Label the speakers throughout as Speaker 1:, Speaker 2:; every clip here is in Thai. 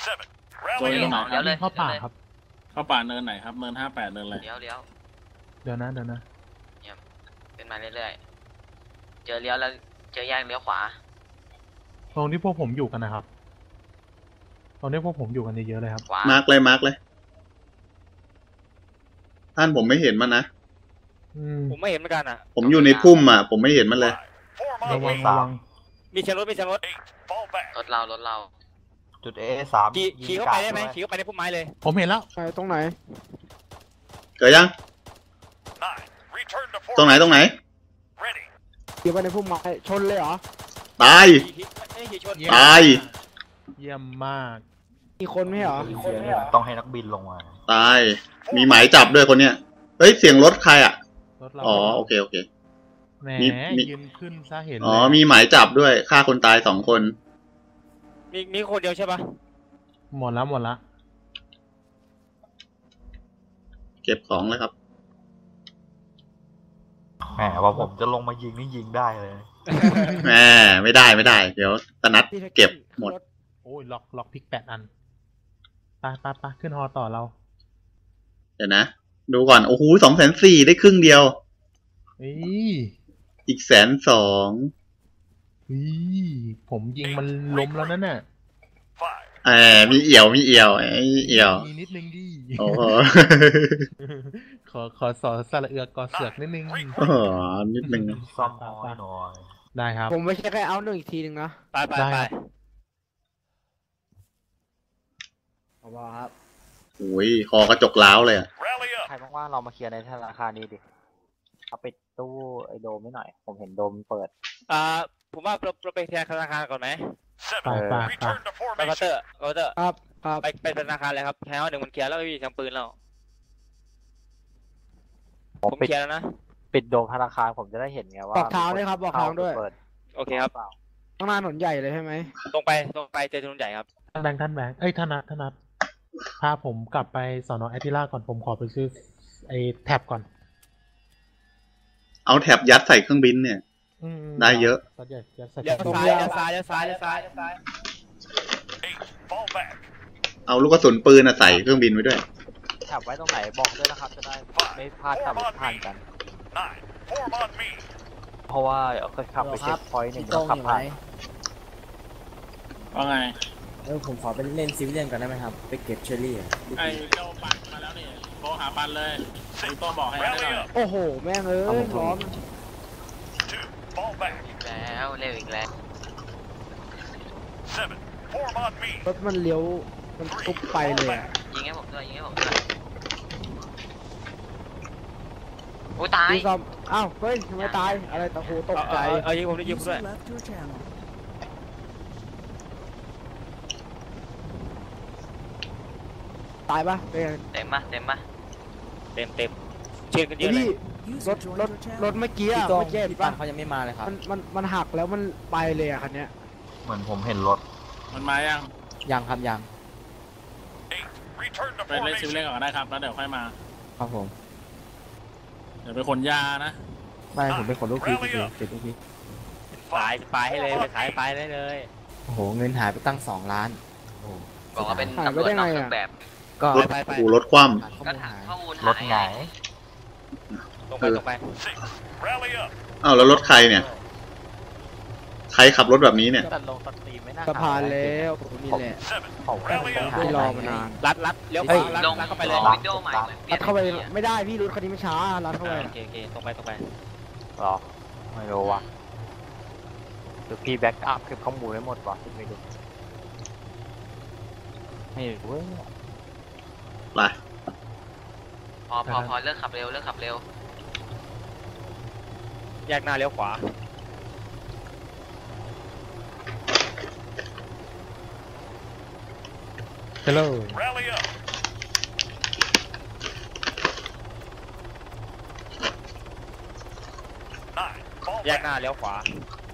Speaker 1: ตัวนี้ไหนครับ
Speaker 2: เข้าป่าครับ
Speaker 1: เข้าป่าเนินไหนครับเนิน58เนินอะไร
Speaker 3: เดี๋ยว
Speaker 2: เดี๋ยวนะ
Speaker 3: ขึ้นมาเรื่อยๆเจอเลี้ยวแล้วเจอแยกเลี้ยวขวา
Speaker 2: ตรงที่พวกผมอยู่กันนะครับตรงที่พวกผมอยู่กันเยอะๆเลยครับ
Speaker 3: ขวา
Speaker 4: มาร์กเลยท่านผมไม่เห็นมันนะ
Speaker 5: ผมไม่เห็นเหมือนกันอ่ะ
Speaker 4: ผมอยู่ในพุ่มอ่ะผมไม่เห็นมันเลย
Speaker 2: ระวัง
Speaker 5: มีเชียร์รถ
Speaker 3: รถเรา
Speaker 6: จุด A3
Speaker 5: ขี่เข้าไปได้ไหมขี่เข้าไปในพุ่มไม้เลย
Speaker 2: ผมเห็นแล้ว
Speaker 7: ไปตรงไหน
Speaker 4: เกิดยังตรงไหน
Speaker 7: ขี่ไปในพุ่มไม้ชนเลยเหรอ
Speaker 4: ตาย
Speaker 5: ขี่ชน
Speaker 4: ตาย
Speaker 2: เยี่ยมมาก
Speaker 7: มีคนไม่เหรอ
Speaker 6: ต้องให้นักบินลงมา
Speaker 4: ตายมีหมายจับด้วยคนเนี้ยเฮ้ยเสียงรถใครอ่ะ
Speaker 2: รถเรา
Speaker 4: อ๋อโอเค
Speaker 2: แหม
Speaker 4: มี
Speaker 2: ยืนขึ้นซะเห็นเลย
Speaker 4: อ๋อมีหมายจับด้วยฆ่าคนตาย2 คน
Speaker 5: มีคนเดียวใช่ปะ
Speaker 2: หมดละ
Speaker 4: เก็บของเลยครับ
Speaker 6: แหมว่าผมจะลงมายิงนี่ยิงได้เลย
Speaker 4: แหมไม่ได้เดี๋ยวตะนัดเก็บหมด
Speaker 2: โอ้ยล็อกพิก8 อันไปขึ้นฮอต่อเรา
Speaker 4: เดี๋ยวนะดูก่อนโอ้โห240,000ได้ครึ่งเดียวอีก120,000
Speaker 2: ผมยิงมันล้มแล้วนั่นน่ะ
Speaker 4: มีเอี่ยวมี
Speaker 2: นิดนึงดิ
Speaker 4: โอ้โห
Speaker 2: ขอสอสระเอือกอเสือกนิดนึง
Speaker 4: นิดนึง
Speaker 6: ซ่อมหน่อย
Speaker 2: ได้ครับ
Speaker 7: ผมไม่ใช่แค่เอาหนึ่งอีกทีหนึ่งนะ
Speaker 5: ไป
Speaker 7: เอาว่าครับ
Speaker 4: โอ้ยคอกระจกล้าวเลยอ่ะ
Speaker 6: ใครว่างๆเรามาเคลียร์ในธนาคารนี้ดิเอาปิดตู้ไอโดมไม่หน่อยผมเห็นโดมเปิด
Speaker 5: ผมว่าเราไปธนาคารก่อนไหม
Speaker 2: ไป
Speaker 5: ไปเคาน์เตอร์
Speaker 7: ครับ
Speaker 5: ไปธนาคารเลยครับแถวหนึ่งมันเคลียร์แล้วไม่มีทางปืนแล้วผมเคลียร์แล้วนะ
Speaker 6: ปิดโดมธนาคารผมจะได้เห็นไงว่า
Speaker 7: บอกทางด้วยครับบอกทางด้วย
Speaker 5: โอเคครับ
Speaker 7: ข้างหน้าถนนใหญ่เลยใช่ไหม
Speaker 5: ตรงไปเจอถนนใหญ่ครับ
Speaker 2: ท่านแบงค์ท่านนัทพาผมกลับไปสอนอแอตติล่าก่อนผมขอไปซื้อไอ้แท็บก่อน
Speaker 4: เอาแท็บยัดใส่เครื่องบินเนี่ยได้เยอะ
Speaker 2: เ
Speaker 5: ลี้ยวซ้าย
Speaker 4: เอาลูกกระสุนปืนใส่เครื่องบินไว้ด้วย
Speaker 6: ขับไว้ตรงไหนบอกด้วยนะครับจะได้ไม่พลาดขับผ่านกัน เพราะว่าเคยขับไปเช็คพอยต์1ขับผ่าน
Speaker 1: ว่าไง
Speaker 8: ผมขอไปเล่นซิวิเลียนก่อนได้ไหมครับไปเก็บเชอรี่
Speaker 1: ไอ้เจ้าปันมาแล้วนี่โทรหาปันเลยดูตัวบอกให้ได้หน่อย
Speaker 7: โอ้โหแม่งร้อน
Speaker 3: อีกแล้วเร็วอีกแล้ว
Speaker 7: รถมันเลี้ยวมันทุบไปเลย
Speaker 3: ยิงให้ผมด้วยโอ้ตาย
Speaker 7: อ้าวเฮ้ยทำไมตายอะไรตะโหตกใจ
Speaker 5: ยิงผมด้วย
Speaker 7: ตายปะเป็น
Speaker 3: เต็ม
Speaker 5: เชียร์กันเยอะเลย
Speaker 7: รถเมื่อกี้
Speaker 8: พี่ปันเขายังไม่มาเลยครับ
Speaker 7: มันหักแล้วมันไปเลยคันเนี้ย
Speaker 6: เหมือนผมเห็นรถ
Speaker 1: มันมา
Speaker 8: ยังครับยัง
Speaker 1: ไปเล่นซิมเล่นก่อนได้ครับแล้วเดี๋ยวค่อยมา
Speaker 8: ครับผม
Speaker 1: เดี๋ยวไปขนยานะ
Speaker 8: ไม่ผมเป็นคนลูกพี่เก็บลูกพี่
Speaker 5: ไปให้เลยไปขายไปได้เลย
Speaker 8: โอ้โหเงินหายไปตั้ง2 ล้าน
Speaker 3: บอกว่าเป็นตำรวจนอกเครื่องแบบ
Speaker 8: ก็
Speaker 4: รถคว่
Speaker 3: ำก็ถามข้อมูล
Speaker 6: รถไง
Speaker 5: ตรงไป
Speaker 4: อ้าวแล้วรถใครเนี่ยใครขับรถแบบนี้เนี่ย
Speaker 7: สะพานแล้วนี่แหละที่รอมานาน
Speaker 5: รัดเลี้ยวลงเข้าไปเลย
Speaker 3: วิดีโอใหม่
Speaker 7: รัดเข้าไปไม่ได้พี่รถคันนี้ไม่ช้ารัดเข้าไป
Speaker 5: โอเคตรงไป
Speaker 6: หรอไม่รู้ว่ะหรือพี่แบ็กอัพเก็บข้อมูลไว้หมดวะไม่รู้ไม่รู้
Speaker 4: ไป
Speaker 3: พอเลิกขับเร็ว
Speaker 5: แยกหน้าเลี้ยวขวา
Speaker 2: ฮัลโหล
Speaker 5: แยกหน้าเลี้ยวขวา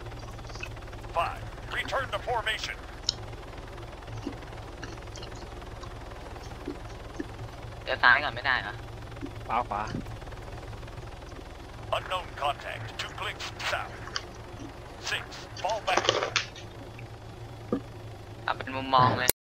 Speaker 3: เดี๋ยวซ้ายก่อนไม่ได้เหรอ
Speaker 5: ขวา
Speaker 9: Unknown contact 2 clicks south 6 fall back
Speaker 3: เป็นมุมมองเลย